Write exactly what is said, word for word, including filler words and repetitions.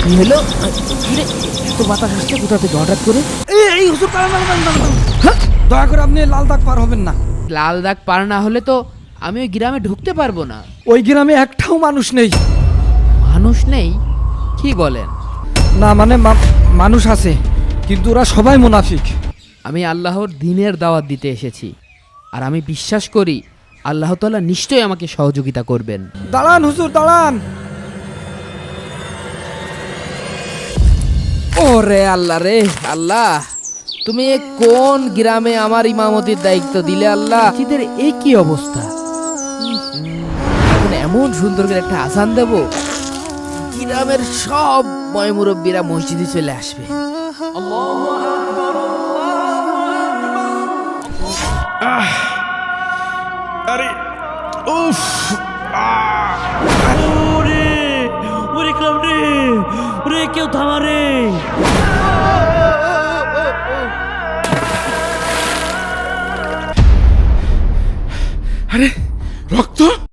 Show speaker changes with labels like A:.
A: কি হলো? কিরে, এত বাতাস আসছে কোথা থেকে হঠাৎ করে?
B: এই এই হুজুর দাঁড়ান দাঁড়ান দাঁড়ান, দাঁড়ান। হ্যাঁ, দয়া করে আপনি লাল দাগ পার হবেন না।
A: লাল দাগ পার না হলে তো আমি ওই গ্রামে ঢুকতে পারবো না।
B: ওই গ্রামে একটাও মানুষ নেই।
A: মানুষ নেই? কি বলেন?
B: না মানে মা- মানুষ আছে, কিন্তু ওরা সবাই মুনাফিক।
A: আমি আল্লাহর দ্বীনের দাওয়াত দিতে এসেছি, আর আমি বিশ্বাস করি আল্লাহ তাআলা নিশ্চয়ই আমাকে সহযোগিতা করবেন।
B: দাঁড়ান হুজুর দাঁড়ান।
A: ওরে আল্লাহ রে আল্লাহ, তুমি এ কোন গ্রামে আমার ইমামতির দায়িত্ব দিলে আল্লাহ? মসজিদের এ কি অবস্থা? এখন এমন সুন্দর করে একটা আজান দেব, গ্রামের সব ময়মুরব্বীরা মসজিদে চলে আসবে।
C: আরে উফ
D: ওরে ওরে ক্লাব রে, ওরে কেউ থামা রে।
C: আরে রক্ত